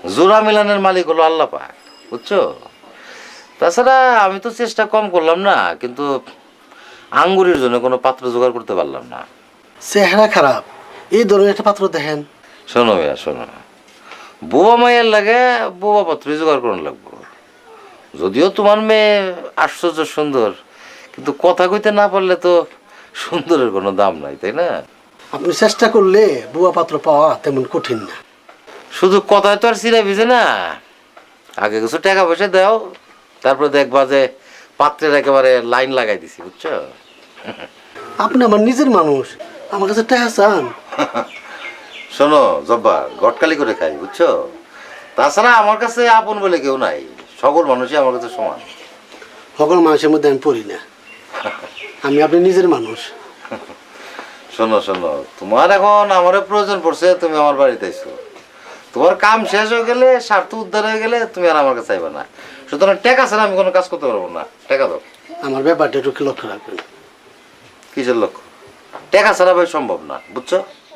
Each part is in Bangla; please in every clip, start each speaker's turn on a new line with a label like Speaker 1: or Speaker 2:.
Speaker 1: জোড়া মিলানের মালিক হলো আল্লাহ পাক, বুঝছো? তাছাড়া আমি তো চেষ্টা কম করলাম না, কিন্তু আঙ্গুরের জন্য কোনো পাত্র জোগাড় করতে পারলাম না।
Speaker 2: চেহারা খারাপ, এই ধরনের একটা পাত্র দেখেন।
Speaker 1: শোনো ভাইয়া শোনো, বোবা মাইয়ের লাগে বোবা পাত্রই জোগাড় করার লাগবো। যদিও তোমার মেয়ে আশ্চর্য সুন্দর, কিন্তু কথা কইতে না পারলে তো সুন্দরের কোনো দাম নাই, তাই না?
Speaker 2: আপনি চেষ্টা করলে বুয়া পাত্র পাওয়া তেমন কঠিন না।
Speaker 1: শুধু কথায় তো আর চিরা ভিজে না, আগে কিছু টাকা পয়সা দাও, তারপরে দেখবা যে পাত্রের একেবারে লাইন লাগাই দিছি, বুঝছো?
Speaker 2: আপনি আমার নিজের মানুষ, আমার কাছে টাকা চান?
Speaker 1: শোনো জব্বার, গটকালি করে খাই, বুঝছো? তাছাড়া আমার কাছে আপন বলে কেউ নাই, সকল মানুষই আমার কাছে সমান।
Speaker 2: সকল মানুষের মধ্যে আমি পড়ি না, আমি আপনি নিজের মানুষ।
Speaker 1: শোনো শোনো, তোমার এখন আমারও প্রয়োজন পড়ছে, তুমি আমার বাড়িতে আইছো। তোমার কাম শেষ হয়ে গেলে, স্বার্থ উদ্ধার হয়ে গেলে তুমি আর আমার কাছে আইবা না। সুতরাং টাকা ছাড়া আমি কোনো কাজ করতে পারবো না। টাকা দাও।
Speaker 2: আমার ব্যাপারটা একটু লক্ষ্য রাখবেন।
Speaker 1: কিসের লক্ষ্য? টাকা ছাড়া ভাই সম্ভব না, বুঝছো?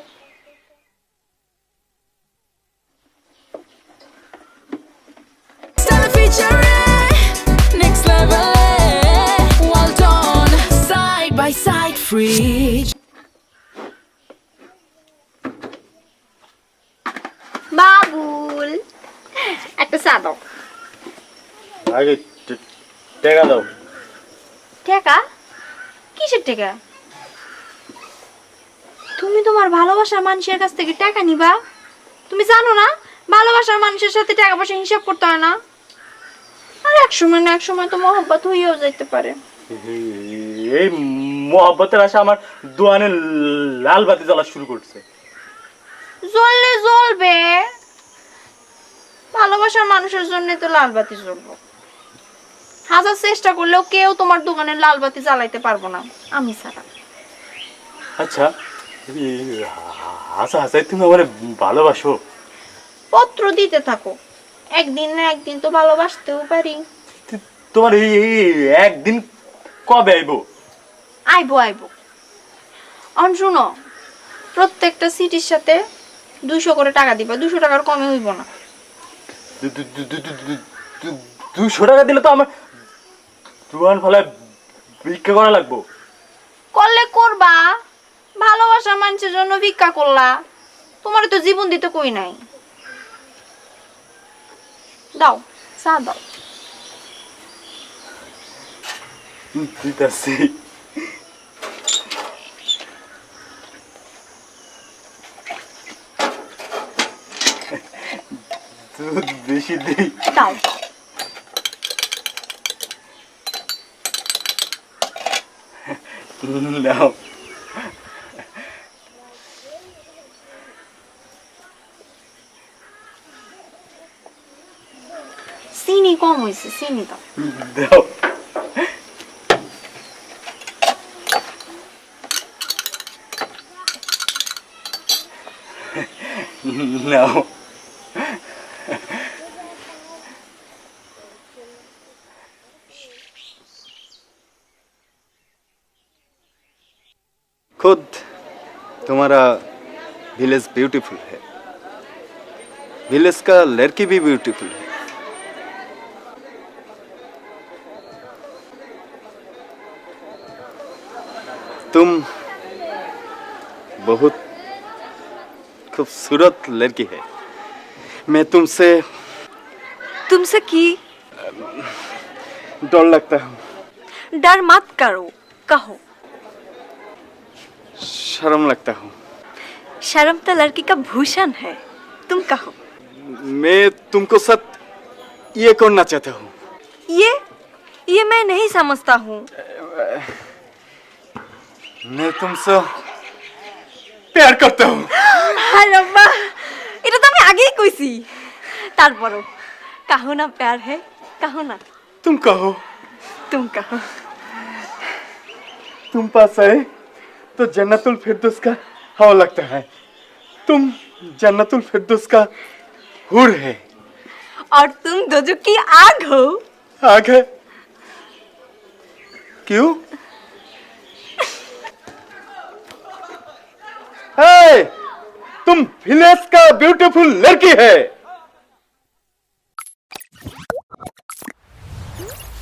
Speaker 3: বাবুল, একটা চা দাও।
Speaker 4: আগে টাকা দাও।
Speaker 3: টাকা? কিসের টাকা? তুমি তোমার ভালোবাসার মানুষের কাছ থেকে টাকা নিবা? তুমি জানো না ভালোবাসার মানুষের সাথে টাকা পয়সা হিসাব করতে হয় না? আর এক সময় না এক সময় তো মহব্বত হইয়াও যাইতে পারে।
Speaker 4: এই মহব্বতের আশা আমার দোয়ানে লাল বাতি জ্বলা শুরু করছে।
Speaker 3: জ্বললে জ্বলবে, ভালোবাসার মানুষের জন্য তো লাল বাতি জ্বলবো। হাজার চেষ্টা করলেও কেউ তোমার দোকানে লাল বাতি জ্বালাইতে পারবো না, আমি ছাড়া।
Speaker 4: আচ্ছা, হাসা হাসাই তুমি আমার ভালোবাসো?
Speaker 3: পত্র দিতে থাকো, একদিন না একদিন তো ভালোবাসতেও পারি।
Speaker 4: তোমার এই একদিন কবে আইবো?
Speaker 3: আইবো আইবো। অন শুনো, প্রত্যেকটা সিটির সাথে 200 করে টাকা দিবা, 200 টাকার কমে হইব না।
Speaker 4: 200 টাকা দিলে তো আমার দোয়ান ফলায় ভিক্ষা করা লাগবো।
Speaker 3: করলে করবা, ভালোবাসা মানুষের জন্য ভিক্ষা করলা, তোমার তো জীবন দিতে কই নাই। দাও চা দাও।
Speaker 4: দিতাছি। দুধ বেশি দিই।
Speaker 3: দাও।
Speaker 4: নাও।
Speaker 3: চিনি কম হয়েছে, চিনি দাও।
Speaker 4: দাও। নাও।
Speaker 5: खुद तुम्हारा विलेज ब्यूटीफुल है, विलेज का लड़की भी ब्यूटीफुल है। तुम बहुत खूबसूरत लड़की है। मैं तुमसे
Speaker 6: तुमसे की
Speaker 5: डर लगता हूँ।
Speaker 6: डर मत करो, कहो।
Speaker 5: शर्म लगता हूँ।
Speaker 6: शर्म तो लड़की का भूषण है, तुम कहो।
Speaker 5: मैं तुमको साथ ये करना चाहता हूँ।
Speaker 6: ये मैं नहीं समझता हूँ।
Speaker 5: मैं तुमसे प्यार करता हूँ।
Speaker 6: अरे वाह, এটা তো আমি আগেই কইছি। তারপরও कहो ना प्यार है, कहो ना।
Speaker 5: तुम कहो।
Speaker 6: तुम कहो।
Speaker 5: तुम पास आए तो जन्नतुल फिरदौस का हवा लगता है। तुम जन्नतुल फिरदौस का हूर है
Speaker 6: और तुम दोजख की आग हो।
Speaker 5: आग है? क्यों? तुम विलेज का ब्यूटीफुल लड़की है।